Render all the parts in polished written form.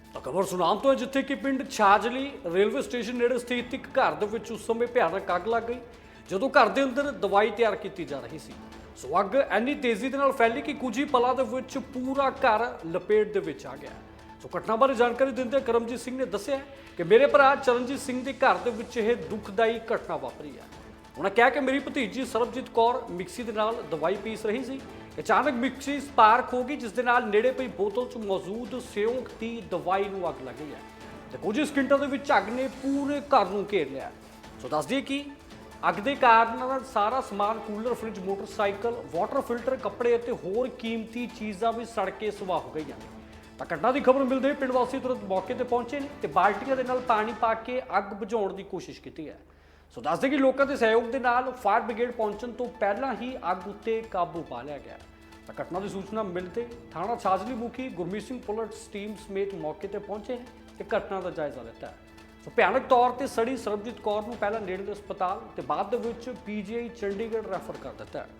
ਤਾਂ ਖਬਰ ਸੁਨਾਮ ਤੋਂ ਹੈ ਜਿੱਥੇ ਕਿ ਪਿੰਡ ਛਾਜਲੀ ਰੇਲਵੇ ਸਟੇਸ਼ਨ ਨੇੜੇ ਸਥਿਤ ਇੱਕ ਘਰ ਦੇ ਵਿੱਚ ਉਸ ਸਮੇਂ ਭਿਆਨਕ ਅੱਗ ਲੱਗ ਗਈ ਜਦੋਂ ਘਰ ਦੇ ਅੰਦਰ ਦਵਾਈ ਤਿਆਰ ਕੀਤੀ ਜਾ ਰਹੀ ਸੀ। ਸੋ ਅੱਗ ਇੰਨੀ ਤੇਜ਼ੀ ਦੇ ਨਾਲ ਫੈਲੀ ਕਿ ਕੁਝ ਹੀ ਪਲਾਂ ਦੇ ਵਿੱਚ ਪੂਰਾ ਘਰ ਲਪੇਟ ਦੇ ਵਿੱਚ ਆ ਗਿਆ। ਸੋ ਘਟਨਾ ਬਾਰੇ ਜਾਣਕਾਰੀ ਦਿੰਦੇ ਕਰਮਜੀਤ ਸਿੰਘ ਨੇ ਦੱਸਿਆ ਕਿ ਮੇਰੇ ਭਰਾ ਚਰਨਜੀਤ ਸਿੰਘ ਦੇ ਘਰ ਦੇ ਵਿੱਚ ਇਹ ਦੁਖਦਾਈ ਘਟਨਾ ਵਾਪਰੀ ਹੈ। ਉਹਨਾਂ ਕਿਹਾ ਕਿ ਮੇਰੀ ਭਤੀਜੀ ਸਰਬਜੀਤ ਕੌਰ ਮਿਕਸੀ ਦੇ ਨਾਲ ਦਵਾਈ ਪੀਸ ਰਹੀ ਸੀ। ਅਚਾਨਕ ਮਿਕਸੀ ਸਪਾਰਕ ਹੋ ਗਈ ਜਿਸ ਦੇ ਨਾਲ ਨੇੜੇ ਪਈ ਬੋਤਲ 'ਚ ਮੌਜੂਦ ਸਿਉਂਕ ਦੀ ਦਵਾਈ ਨੂੰ ਅੱਗ ਲੱਗ ਗਈ ਹੈ ਤੇ ਕੁਝ ਹੀ ਸਕਿੰਟਾਂ ਦੇ ਵਿੱਚ ਅੱਗ ਨੇ ਪੂਰੇ ਘਰ ਨੂੰ ਘੇਰ ਲਿਆ। ਸੋ ਦੱਸ ਦਈਏ ਕਿ ਅੱਗ ਦੇ ਕਾਰਨ ਸਾਰਾ ਸਮਾਨ cooler, fridge, motorcycle, water filter, ਕੱਪੜੇ ਅਤੇ ਹੋਰ ਕੀਮਤੀ ਚੀਜ਼ਾਂ ਵੀ ਸੜ ਕੇ ਸੁਆਹ ਹੋ ਗਈਆਂ। ਤਾਂ ਘਟਨਾ ਦੀ ਖਬਰ ਮਿਲਦੇ ਹੀ ਪਿੰਡ ਵਾਸੀ ਤੁਰੰਤ ਮੌਕੇ ਤੇ ਪਹੁੰਚੇ ਨੇ ਤੇ ਬਾਲਟੀਆਂ ਦੇ ਨਾਲ ਪਾਣੀ ਪਾ ਕੇ ਅੱਗ ਬੁਝਾਉਣ ਦੀ ਕੋਸ਼ਿਸ਼ ਕੀਤੀ ਹੈ। ਸੋ ਦੱਸਦੇ ਕਿ ਲੋਕਾਂ ਦੇ ਸਹਿਯੋਗ ਦੇ ਨਾਲ ਫਾਇਰ ਬ੍ਰਿਗੇਡ ਪਹੁੰਚਣ ਤੋਂ ਪਹਿਲਾਂ ਹੀ ਅੱਗ ਉੱਤੇ ਕਾਬੂ ਪਾ ਲਿਆ ਗਿਆ। ਤਾਂ ਘਟਨਾ ਦੀ ਸੂਚਨਾ ਮਿਲਦੇ ਥਾਣਾ ਛਾਜਲੀ ਮੁਖੀ ਗੁਰਮੀਤ ਸਿੰਘ ਪੁਲਿਸ ਟੀਮ ਸਮੇਤ ਮੌਕੇ ਤੇ ਪਹੁੰਚੇ ਤੇ ਘਟਨਾ ਦਾ ਜਾਇਜ਼ਾ ਲਿੱਤਾ ਹੈ। ਸੋ ਭਿਆਨਕ ਤੌਰ ਤੇ ਸੜੀ ਸਰਬਜੀਤ ਕੌਰ ਨੂੰ ਪਹਿਲਾਂ ਨੇੜਲੇ ਹਸਪਤਾਲ ਤੇ ਬਾਅਦ ਦੇ ਵਿੱਚ ਪੀਜੀਆਈ ਚੰਡੀਗੜ੍ਹ ਰੈਫਰ ਕਰ ਦਿੱਤਾ ਹੈ।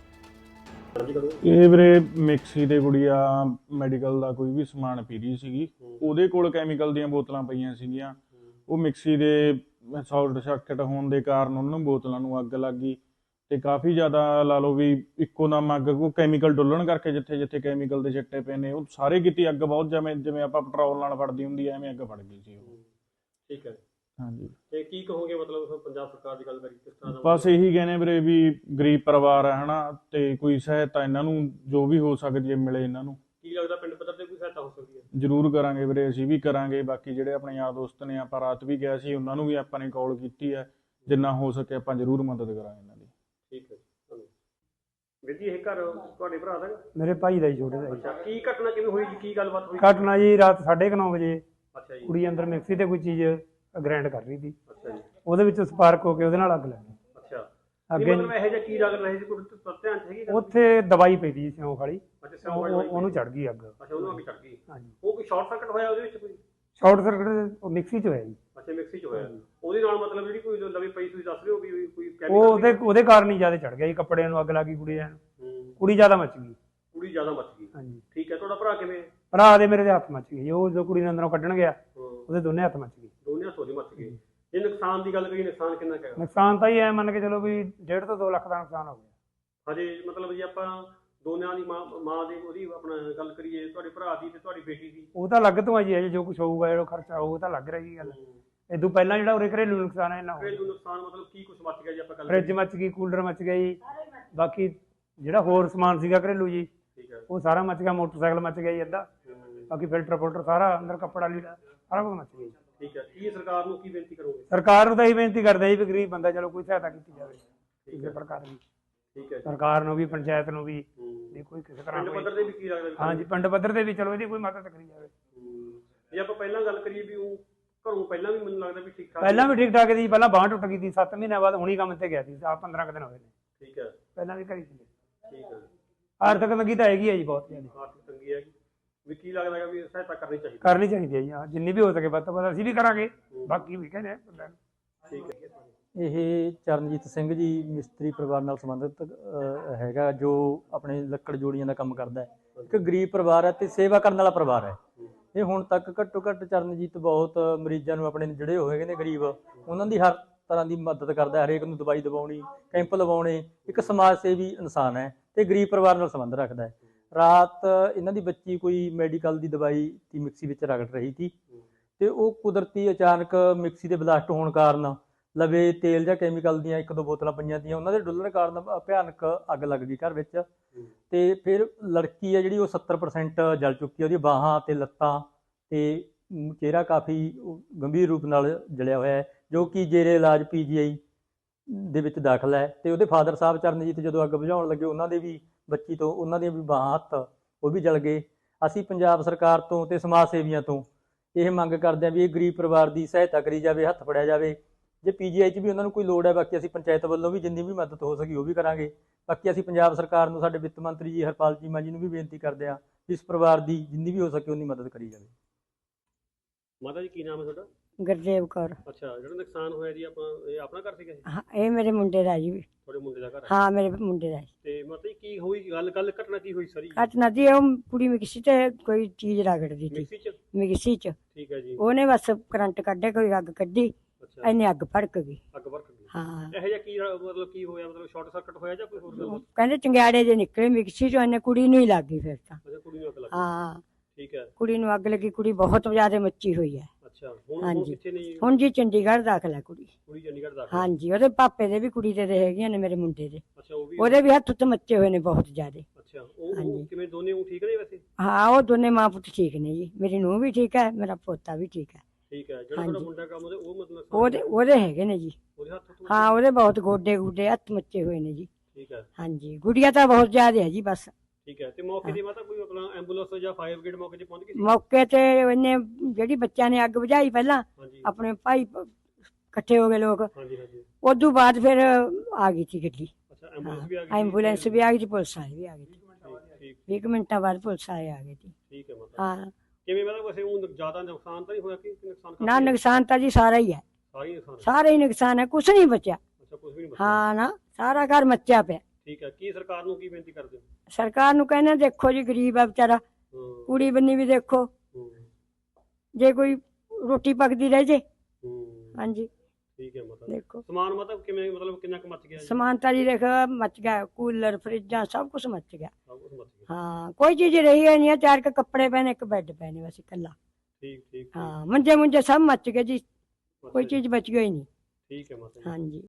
ਇਹ ਵੀਰੇ ਮਿਕਸੀ ਤੇ ਗੁੜੀਆ ਮੈਡੀਕਲ ਦਾ ਕੋਈ ਵੀ ਸਮਾਨ ਪੀ ਰਹੀ ਸੀਗੀ, ਉਹਦੇ ਕੋਲ ਕੈਮੀਕਲ ਦੀਆਂ ਬੋਤਲਾਂ ਪਈਆਂ ਸੀਗੀਆਂ। ਉਹ ਮਿਕਸੀ ਦੇ ਸ਼ਾਰਟ ਸਰਕਟ ਹੋਣ ਦੇ ਕਾਰਨ ਉਹਨਾਂ ਨੂੰ ਬੋਤਲਾਂ ਨੂੰ ਅੱਗ ਲੱਗ ਗਈ ਤੇ ਕਾਫੀ ਜ਼ਿਆਦਾ ਲਾ ਲਓ ਵੀ ਇੱਕੋ ਦਮ ਅੱਗ ਕੋ ਕੈਮੀਕਲ ਡੁੱਲਣ ਕਰਕੇ ਜਿੱਥੇ ਜਿੱਥੇ ਕੈਮੀਕਲ ਦੇ ਛਿੱਟੇ ਪਏ ਨੇ ਉਹ ਸਾਰੇ ਕੀਤੀ ਅੱਗ ਬਹੁਤ ਜਿਵੇਂ ਆਪਾਂ ਪੈਟਰੋਲ ਨਾਲ ਫੜਦੀ ਹੁੰਦੀ ਐ ਐਵੇਂ ਅੱਗ ਫੜ ਗਈ ਸੀ ਉਹ। ਠੀਕ ਹੈ। ਹਾਂਜੀ, ਤੇ ਕੀ ਕਹੋਗੇ ਮਤਲਬ ਪੰਜਾਬ ਸਰਕਾਰ ਦੀ ਗੱਲ ਕਰੀ ਕਿਸ ਤਰ੍ਹਾਂ ਦਾ? ਬਸ ਇਹੀ ਕਹਿੰਦੇ ਵੀਰੇ ਵੀ ਗਰੀਬ ਪਰਿਵਾਰ ਹੈ ਹਨਾ, ਤੇ ਕੋਈ ਸਹਾਇਤਾ ਇਹਨਾਂ ਨੂੰ ਜੋ ਵੀ ਹੋ ਸਕਦੀ ਹੈ ਮਿਲੇ ਇਹਨਾਂ ਨੂੰ। ਕੀ ਲੱਗਦਾ ਪਿੰਡ ਪੱਧਰ ਤੇ ਕੋਈ ਸਹਾਇਤਾ ਹੋ ਸਕਦੀ ਹੈ? ਜ਼ਰੂਰ ਕਰਾਂਗੇ ਵੀਰੇ, ਅਸੀਂ ਵੀ ਕਰਾਂਗੇ। ਬਾਕੀ ਜਿਹੜੇ ਆਪਣੇ ਯਾਰ ਦੋਸਤ ਨੇ, ਆਪਾਂ ਰਾਤ ਵੀ ਗਿਆ ਸੀ, ਉਹਨਾਂ ਨੂੰ ਵੀ ਆਪਾਂ ਨੇ ਕਾਲ ਕੀਤੀ ਹੈ। ਜਿੰਨਾ ਹੋ ਸਕੇ ਆਪਾਂ ਜ਼ਰੂਰ ਮਦਦ ਕਰਾਂਗੇ ਇਹਨਾਂ ਦੀ। ਠੀਕ ਹੈ ਜੀ। ਵੀਰ ਜੀ ਇਹ ਘਰ ਤੁਹਾਡੇ ਭਰਾ ਦਾ? ਮੇਰੇ ਭਾਈ ਦਾ ਹੀ, ਛੋਟੇ ਦਾ ਹੀ। ਅੱਛਾ, ਕੀ ਘਟਨਾ ਕਿਵੇਂ ਹੋਈ ਜੀ? ਕੀ ਗੱਲਬਾਤ ਹੋਈ? ਘਟਨਾ ਜੀ ਰਾਤ 9:30 ਵਜੇ ਅੱਛਾ ਜੀ। ਕੁੜੀ ਅੰਦਰ ਮਿਕਸੀ ਤੇ ਕੋਈ ਚੀਜ਼ ਗ੍ਰਾਈਂਡ ਕਰ ਰਹੀ ਸੀ, ਅੱਛਾ ਜੀ। ਉਹਦੇ ਵਿੱਚ ਸਪਾਰਕ ਹੋ ਕੇ ਉਹਦੇ ਨਾਲ ਅੱਗ ਲੱਗ ਗਈ। ਅੱਛਾ, ਅੱਗੇ ਮਤਲਬ ਇਹੋ ਜਿਹਾ ਕੀ ਲੱਗ ਰਿਹਾ ਸੀ? ਕੋਈ ਧਿਆਨ ਚ ਹੈਗੀ ਗੱਲ? ਉੱਥੇ ਦਵਾਈ ਪਈ ਸੀ ਸਿਉਂਕ ਵਾਲੀ, ਅੱਛਾ, ਸਿਉਂਕ ਵਾਲੀ ਦਵਾਈ ਉਹਨੂੰ ਚੜ ਗਈ ਅੱਗ। ਅੱਛਾ, ਉਹਨੂੰ ਅੱਗ ਚੜ ਗਈ। ਹਾਂਜੀ, ਉਹ ਕੋਈ ਸ਼ਾਰਟ ਸਰਕਟ ਹੋਇਆ ਉਹਦੇ ਵਿੱਚ ਕੋਈ? ਸ਼ਾਰਟ ਸਰਕਟ ਉਹ ਮਿਕਸੀ 'ਚ ਹੋਇਆ ਜੀ। ਅੱਛਾ, ਮਿਕਸੀ ਚ ਹੋਇਆ। ਉਹਦੇ ਨਾਲ ਮਤਲਬ ਜਿਹੜੀ ਕੋਈ ਨਵੀਂ ਪਈ ਤੁਸੀਂ ਦੱਸ ਰਹੇ ਹੋ ਵੀ ਕੋਈ ਉਹ ਉਹਦੇ ਕਾਰਨ ਹੀ ਜ਼ਿਆਦਾ ਚੜ ਗਿਆ ਜੀ, ਕੱਪੜਿਆਂ ਨੂੰ ਅੱਗ ਲੱਗ ਗਈ, ਕੁੜੀ ਜ਼ਿਆਦਾ ਮੱਚ ਗਈ। ਕੁੜੀ ਜ਼ਿਆਦਾ ਮੱਚ ਗਈ। ਹਾਂਜੀ। ਠੀਕ ਹੈ। ਤੁਹਾਡਾ ਭਰਾ ਕਿਵੇਂ? ਭਰਾ ਦੇ ਮੇਰੇ ਦੇ ਹੱਥ ਮੱਚ ਗਏ ਜੀ, ਉਹ ਜੋ ਕੁੜੀ ਨੂੰ ਅੰਦਰੋਂ ਕੱਢਣ ਗਿਆ ਉਹਦੇ ਦੋਨੇ ਹੱਥ ਮੱਚ ਗਏ। ਦੋਨੇ ਹੱਥੋਂ ਦੀ ਮੱਚ ਗਏ। ਜੇ ਨੁਕਸਾਨ ਦੀ ਗੱਲ ਕਰੀਏ, ਨੁਕਸਾਨ ਕਿੰਨਾ ਕੁ ਹੈ? ਨੁਕਸਾਨ ਤਾਂ ਹੀ ਐ ਮੰਨ ਕੇ ਚਲੋ ਵੀ 1.5 ਤੋਂ 2 ਲੱਖ ਦਾ ਨੁਕਸਾਨ ਹੋ ਗਿਆ। ਹਜੇ ਮਤਲਬ ਜੇ ਆਪਾਂ ਦੋਨਿਆਂ ਦੀ ਮਾਂ ਦੀ ਉਹਦੀ ਆਪਣਾ ਗੱਲ ਕਰੀਏ, ਤੁਹਾਡੇ ਭਰਾ ਦੀ ਤੇ ਤੁਹਾਡੀ ਬੇਟੀ ਦੀ, ਉਹ ਤਾਂ ਲੱਗ ਤੋਂ ਆ ਜੀ, ਅਜੇ ਜੋ ਕੁਝ ਹੋਊਗਾ ਜਿਹੜਾ ਖਰਚਾ ਉਹ ਤਾਂ ਲੱਗ ਰਹੀ ਗੱਲ। ਇਦੋਂ ਪਹਿਲਾਂ ਜਿਹੜਾ ਉਰੇ ਘਰੇਲੂ ਨੁਕਸਾਨ ਹੈ ਇਹਨਾਂ ਘਰੇਲੂ ਨੁਕਸਾਨ ਮਤਲਬ ਕੀ ਕੁਝ ਮੱਚ ਗਿਆ ਜੀ ਆਪਾਂ ਗੱਲ ਫ੍ਰਿਜ ਮੱਚ ਗਈ, ਕੂਲਰ ਮੱਚ ਗਿਆ ਜੀ, ਬਾਕੀ ਜਿਹੜਾ ਹੋਰ ਸਮਾਨ ਸੀਗਾ ਘਰੇਲੂ ਜੀ ਠੀਕ ਹੈ। ਉਹ ਸਾਰਾ ਮੱਚ ਗਿਆ, ਮੋਟਰਸਾਈਕਲ ਮੱਚ ਗਿਆ ਜੀ ਅੱਧਾ, ਬਾਕੀ ਫਿਲਟਰ ਸਾਰਾ ਅੰਦਰ ਕੱਪੜਾ ਲੀੜਾ ਸਾਰਾ ਕੁਝ ਮੱਚ ਗਿਆ ਜੀ। ਠੀਕ ਹੈ। ਕੀ ਸਰਕਾਰ ਨੂੰ ਕੀ ਬੇਨਤੀ ਕਰੋਗੇ? ਸਰਕਾਰ ਨੂੰ ਤਾਂ ਇਹੀ ਬੇਨਤੀ ਕਰਦੇ ਜੀ ਵੀ ਗਰੀਬ ਬੰਦਾ ਚਲੋ ਕੋਈ ਸਹਾਇਤਾ ਕੀਤੀ ਜਾਵੇ ਕਿਸੇ ਪ੍ਰਕਾਰ ਦੀ, ਠੀਕ ਹੈ। ਸਰਕਾਰ ਨੂੰ ਵੀ, ਪੰਚਾਇਤ ਨੂੰ ਵੀ, ਜੇ ਕੋਈ ਕਿਸੇ ਤਰ੍ਹਾਂ ਪਿੰਡ ਪੱਧਰ ਤੇ ਵੀ ਕੀ ਲੱਗਦਾ? ਹਾਂਜੀ, ਪਿੰਡ ਪੱਧਰ ਤੇ ਵੀ ਚਲੋ ਇਹਦੀ ਕੋਈ ਮਦਦ ਕਰੀ ਜਾਵੇ। ਜੇ ਆਪਾਂ ਪਹਿਲਾਂ ਗੱਲ ਕਰੀਏ ਵੀ ਉਹ ਘਰੋਂ ਪਹਿਲਾਂ ਵੀ ਮੈਨੂੰ ਲੱਗਦਾ ਵੀ ਠੀਕ ਠਾਕ ਪਹਿਲਾਂ ਵੀ ਠੀਕ ਠਾਕ ਸੀ, ਪਹਿਲਾਂ ਬਾਂਹ ਟੁੱਟ ਗਈ ਸੀ, 7 ਮਹੀਨਿਆਂ ਬਾਅਦ ਹੁਣੀ ਕੰਮ ਤੇ ਗਿਆ ਸੀ, 15 ਕੁ ਦਿਨ ਹੋਏ ਨੇ। ਠੀਕ ਹੈ। ਪਹਿਲਾਂ ਵੀ ਕਰੀ ਸੀ। ਠੀਕ ਹੈ। ਆਰਥਿਕ ਤੰਗੀ ਤਾਂ ਹੈਗੀ ਹੈ ਜੀ, ਬਹੁਤ ਜ਼ਿਆਦਾ ਆਰਥਿਕ ਤੰਗੀ ਹੈਗੀ ਵੀ ਕੀ ਲੱਗਦਾ ਹੈ ਵੀ ਸਹਾਇਤਾ ਕਰਨੀ ਚਾਹੀਦੀ? ਕਰਨੀ ਚਾਹੀਦੀ ਹੈ ਜੀ, ਹਾਂ, ਜਿੰਨੀ ਵੀ ਹੋ ਸਕੇ ਵੱਧ ਤੋਂ ਵੱਧ ਅਸੀਂ ਵੀ ਕਰਾਂਗੇ, ਬਾਕੀ ਵੀ ਕਹਿੰਦੇ ਬੰਦਿਆਂ ਨੂੰ। ਠੀਕ ਹੈ। ਇਹ ਚਰਨਜੀਤ ਸਿੰਘ ਜੀ ਮਿਸਤਰੀ ਪਰਿਵਾਰ ਨਾਲ ਸੰਬੰਧਿਤ ਹੈਗਾ, ਜੋ ਆਪਣੇ ਲੱਕੜ ਜੋੜੀਆਂ ਦਾ ਕੰਮ ਕਰਦਾ ਹੈ। ਇੱਕ ਗਰੀਬ ਪਰਿਵਾਰ ਹੈ ਤੇ ਸੇਵਾ ਕਰਨ ਵਾਲਾ ਪਰਿਵਾਰ ਹੈ। ਇਹ ਹੁਣ ਤੱਕ ਘੱਟੋ ਘੱਟ ਚਰਨਜੀਤ ਬਹੁਤ ਮਰੀਜ਼ਾਂ ਨੂੰ ਆਪਣੇ ਜਿਹੜੇ ਹੋਏ ਨੇ ਗਰੀਬ, ਉਹਨਾਂ ਦੀ ਹਰ ਤਰ੍ਹਾਂ ਦੀ ਮਦਦ ਕਰਦਾ, ਹਰੇਕ ਨੂੰ ਦਵਾਈ ਦਿਵਾਉਣੀ, ਕੈਂਪ ਲਵਾਉਣੇ। ਇੱਕ ਸਮਾਜ ਸੇਵੀ ਇਨਸਾਨ ਹੈ ਤੇ ਗਰੀਬ ਪਰਿਵਾਰ ਨਾਲ ਸੰਬੰਧ ਰੱਖਦਾ ਹੈ। ਰਾਤ ਇਹਨਾਂ ਦੀ ਬੱਚੀ ਕੋਈ ਮੈਡੀਕਲ ਦੀ ਦਵਾਈ ਦੀ ਮਿਕਸੀ ਵਿੱਚ ਰਗੜ ਰਹੀ ਸੀ ਤੇ ਉਹ ਕੁਦਰਤੀ ਅਚਾਨਕ ਮਿਕਸੀ ਦੇ ਬਲਾਸਟ ਹੋਣ ਕਾਰਨ ਲਵੇ ਤੇਲ ਜਾਂ ਕੈਮੀਕਲ ਦੀਆਂ 1-2 ਬੋਤਲਾਂ ਪਈਆਂ ਤੀਆਂ, ਉਹਨਾਂ ਦੇ ਡੁੱਲਣ ਕਾਰਨ ਭਿਆਨਕ ਅੱਗ ਲੱਗ ਗਈ ਘਰ ਵਿੱਚ। ਤੇ ਫਿਰ ਲੜਕੀ ਹੈ ਜਿਹੜੀ ਉਹ 70% ਜਲ ਚੁੱਕੀ ਹੈ, ਉਹਦੀ ਬਾਹਾਂ ਤੇ ਲੱਤਾਂ ਤੇ ਚਿਹਰਾ ਕਾਫੀ ਗੰਭੀਰ ਰੂਪ ਨਾਲ ਜਲਿਆ ਹੋਇਆ ਹੈ, ਜੋ ਕਿ ਜੇਰੇ ਇਲਾਜ ਪੀਜੀਆਈ ਦੇ ਵਿੱਚ ਦਾਖਲ ਹੈ। ਤੇ ਉਹਦੇ ਫਾਦਰ ਸਾਹਿਬ ਚਰਨਜੀਤ ਜਦੋਂ ਅੱਗ ਬੁਝਾਉਣ ਲੱਗੇ, ਉਹਨਾਂ ਦੇ ਵੀ ਬੱਚੀ ਤੋਂ ਉਹਨਾਂ ਦੀਆਂ ਵੀ ਬਾਹਾਂ ਹੱਥ ਉਹ ਵੀ ਜਲ ਗਏ। ਅਸੀਂ ਪੰਜਾਬ ਸਰਕਾਰ ਤੋਂ ਤੇ ਸਮਾਜ ਸੇਵੀਆਂ ਤੋਂ ਇਹ ਮੰਗ ਕਰਦੇ ਹਾਂ ਵੀ ਇਹ ਗਰੀਬ ਪਰਿਵਾਰ ਦੀ ਸਹਾਇਤਾ ਕਰੀ ਜਾਵੇ, ਹੱਥ ਫੜਿਆ ਜਾਵੇ। ਜੇ ਪੀਜੀਆਈ 'ਚ ਵੀ ਉਹਨਾਂ ਨੂੰ ਕੋਈ ਲੋੜ ਹੈ, ਬਾਕੀ ਅਸੀਂ ਪੰਚਾਇਤ ਵੱਲੋਂ ਵੀ ਜਿੰਨੀ ਵੀ ਮਦਦ ਹੋ ਸਕੀ ਉਹ ਵੀ ਕਰਾਂਗੇ। ਬਾਕੀ ਅਸੀਂ ਪੰਜਾਬ ਸਰਕਾਰ ਨੂੰ, ਸਾਡੇ ਵਿੱਤ ਮੰਤਰੀ ਜੀ ਹਰਪਾਲ ਚੀਮਾ ਜੀ ਨੂੰ ਵੀ ਬੇਨਤੀ ਕਰਦੇ ਹਾਂ ਇਸ ਪਰਿਵਾਰ ਦੀ ਜਿੰਨੀ ਵੀ ਹੋ ਸਕੇ ਉਨੀ ਮਦਦ ਕਰੀ ਜਾਵੇ। ਮਾਤਾ ਜੀ ਕੀ ਨਾਮ ਹੈ ਤੁਹਾਡਾ? ਗੁਰਦੇਵ ਕੌਰ। ਅੱਛਾ, ਜਿਹੜਾ ਨੁਕਸਾਨ ਹੋਇਆ ਜੀ ਇਹ ਆਪਣਾ ਘਰ ਸੀਗਾ ਇਹ? ਹਾਂ, ਇਹ ਮੇਰੇ ਮੁੰਡੇ ਦਾ ਜੀ। ਤੁਹਾਡੇ ਮੁੰਡੇ ਦਾ ਘਰ ਹੈ? ਹਾਂ, ਮੇਰੇ ਮੁੰਡੇ ਦਾ। ਤੇ ਮਤਲਬ ਕੀ ਹੋਈ ਗੱਲ ਘਟਨਾ ਕੀ ਹੋਈ ਸਾਰੀ? ਘਟਨਾ ਦੀ ਉਹ ਕੁੜੀ ਮਿਕਸੀ ਤੇ ਕੋਈ ਚੀਜ਼ ਰਗੜਦੀ ਸੀ ਮਿਕਸੀ ਚ? ਮਿਕਸੀ ਚ। ਠੀਕ ਹੈ ਜੀ। ਉਹਨੇ ਬਸ ਕਰੰਟ ਕੱਢੇ, ਕੋਈ ਅੱਗ ਕੱਢੀ, ਅੱਛਾ, ਇੰਨੀ ਅੱਗ ਭੜਕ ਗਈ। ਅੱਗ ਭੜਕ ਗਈ। ਹਾਂ, ਇਹੋ ਜਿਹਾ ਕੀ ਮਤਲਬ ਕੀ ਹੋਇਆ? ਮਤਲਬ ਸ਼ਾਰਟ ਸਰਕਟ ਹੋਇਆ ਜਾਂ ਕੋਈ ਹੋਰ ਗੱਲ? ਕਹਿੰਦੇ ਚੰਗਿਆੜੇ ਜੇ ਨਿਕਲੇ ਮਿਕਸੀ ਚੋਂ, ਇਹਨੇ ਕੁੜੀ ਨੂੰ ਹੀ ਲੱਗ ਗਈ ਫਿਰ ਤਾਂ। ਅੱਛਾ, ਕੁੜੀ ਨੂੰ ਅੱਗ ਲੱਗ ਗਈ। ਹਾਂ, ਠੀਕ ਹੈ। ਕੁੜੀ ਨੂੰ ਅੱਗ ਲੱਗੀ, ਕੁੜੀ ਬਹੁਤ ਜ਼ਿਆਦਾ ਮੱਚੀ ਹੋਈ ਹੈ। ਅੱਛਾ, ਹੁਣ ਹਾਂਜੀ। ਕਿੱਥੇ ਨੇ ਜੀ? ਹੁਣ ਜੀ ਚੰਡੀਗੜ੍ਹ ਦਾਖਲ ਹੈ ਕੁੜੀ। ਕੁੜੀ ਚੰਡੀਗੜ੍ਹ ਦਾਖਲ? ਹਾਂਜੀ, ਉਹਦੇ ਪਾਪੇ ਦੇ ਵੀ ਕੁੜੀ ਦੇ ਹੈਗੀਆਂ ਨੇ, ਮੇਰੇ ਮੁੰਡੇ ਦੇ। ਅੱਛਾ, ਉਹ ਵੀ? ਉਹਦੇ ਵੀ ਹੱਥ ਉੱਤੇ ਮੱਚੇ ਹੋਏ ਨੇ ਬਹੁਤ ਜ਼ਿਆਦਾ। ਅੱਛਾ, ਉਹ ਹਾਂਜੀ। ਕਿਵੇਂ ਦੋਨੇ ਉਹ ਠੀਕ ਨੇ ਵੈਸੇ? ਹਾਂ, ਉਹ ਦੋਨੇ ਮਾਂ ਪੁੱਤ ਠੀਕ ਨੇ ਜੀ। ਮੇਰੀ ਨੂੰਹ ਵੀ ਠੀਕ ਹੈ, ਮੇਰਾ ਪੋਤਾ ਵੀ ਠੀਕ ਹੈ। ਠੀਕ ਹੈ। ਜਿਹੜਾ ਤੁਹਾਡਾ ਮੁੰਡਾ ਕੰਮ ਉਹ ਮਤਲਬ ਉਹਦੇ ਹੈਗੇ ਨੇ ਜੀ। ਉਹਦੇ ਹੱਥ ਤੋਂ? ਹਾਂ, ਉਹਦੇ ਬਹੁਤ ਗੋਡੇ ਗੁੱਡੇ ਹੱਥ ਮੱਚੇ ਹੋਏ ਨੇ ਜੀ। ਠੀਕ ਹੈ। ਹਾਂਜੀ, ਗੁੜੀਆ ਤਾਂ ਬਹੁਤ ਜ਼ਿਆਦਾ ਹੈ ਜੀ ਬਸ। ਠੀਕ ਹੈ। ਤੇ ਮੌਕੇ ਦੀ ਮਾਤਾ ਕੋਈ ਮਤਲਬ ਐਂਬੂਲੈਂਸ ਜਾਂ ਫਾਇਰ ਬ੍ਰਿਗੇਡ ਮੌਕੇ ਤੇ ਪਹੁੰਚ ਗਈ ਸੀ? ਮੌਕੇ ਤੇ ਉਹਨੇ ਜਿਹੜੀ ਬੱਚਿਆਂ ਨੇ ਅੱਗ ਬੁਝਾਈ ਪਹਿਲਾਂ, ਹਾਂਜੀ ਆਪਣੇ ਭਾਈ ਇਕੱਠੇ ਹੋ ਗਏ ਲੋਕ, ਹਾਂਜੀ ਹਾਂਜੀ। ਉਦੋਂ ਬਾਅਦ ਫਿਰ ਆ ਗਈ ਸੀ ਗੱਡੀ। ਅੱਛਾ, ਐਂਬੂਲੈਂਸ ਵੀ ਆ ਗਈ? ਐਂਬੂਲੈਂਸ ਵੀ ਆ ਗਈ ਸੀ, ਪੁਲਿਸ ਵਾਲੇ ਵੀ ਆ ਗਏ ਸੀ। ਠੀਕ 20 ਮਿੰਟਾਂ ਬਾਅਦ ਪੁਲਿਸ ਵਾਲੇ ਆ ਗਏ ਸੀ। ਠੀਕ ਹੈ ਮਾਤਾ। ਹਾਂ, ਕਿਵੇਂ ਮਤਲਬ ਵੈਸੇ ਉਹ ਜ਼ਿਆਦਾ ਨੁਕਸਾਨ ਤਾਂ ਨਹੀਂ ਹੋਇਆ ਕਿ ਨੁਕਸਾਨ ਨਾ ਨੁਕਸਾਨ ਤਾਂ ਜੀ ਸਾਰਾ ਹੀ ਹੈ, ਸਾਰੀ ਨੁਕਸਾਨ? ਸਾਰਾ ਹੀ ਨੁਕਸਾਨ ਹੈ, ਕੁਛ ਨਹੀਂ ਬਚਿਆ। ਅੱਛਾ, ਕੁਝ ਵੀ ਨਹੀਂ ਬਚਿਆ? ਹਾਂ ਨਾ, ਸਾਰਾ ਘਰ ਮੱਚਿਆ ਪਿਆ। ਠੀਕ ਹੈ। ਕੀ ਸਰਕਾਰ ਨੂੰ ਕੀ ਬੇਨਤੀ ਕਰਦੇ ਹੋ? ਸਰਕਾਰ ਨੂੰ ਕਹਿੰਦੇ ਦੇਖੋ ਜੀ, ਗਰੀਬ ਆ ਵਿਚਾਰਾ, ਹੂੰ ਕੁੜੀ ਬੰਨੀ ਵੀ ਦੇਖੋ, ਹੂੰ ਜੇ ਕੋਈ ਰੋਟੀ ਪੱਕਦੀ ਰਹਿ ਜੇ। ਹੂੰ। ਹਾਂਜੀ, ਠੀਕ ਹੈ ਮਾਤਾ। ਦੇਖੋ ਸਮਾਨ ਮਤਲਬ ਕਿਵੇਂ, ਮਤਲਬ ਕਿੰਨਾ ਕੁ ਮੱਚ ਗਿਆ ਜੀ? ਸਮਾਨ ਤਾਂ ਜੀ ਦੇਖ ਮੱਚ ਗਿਆ, ਕੂਲਰ ਫਰਿੱਜਾਂ ਸਭ ਕੁਝ ਮੱਚ ਗਿਆ। ਸਭ ਕੁਝ ਮੱਚ ਗਿਆ? ਹਾਂ, ਕੋਈ ਚੀਜ਼ ਰਹੀ ਹੈ ਨਹੀਂ, ਚਾਰ ਕੁ ਕੱਪੜੇ ਪਏ ਨੇ, ਇੱਕ ਬੈੱਡ ਪਏ ਨੇ ਬਸ ਇਕੱਲਾ। ਠੀਕ ਠੀਕ। ਹਾਂ, ਮੰਜੇ ਮੁੰਜੇ ਸਭ ਮੱਚ ਗਏ ਜੀ, ਅੱਛਾ ਕੋਈ ਜੀ। ਚੀਜ਼ ਬਚ ਗਈ ਨਹੀਂ। ਠੀਕ ਹੈ ਮਾਤਾ ਜੀ। ਹਾਂਜੀ।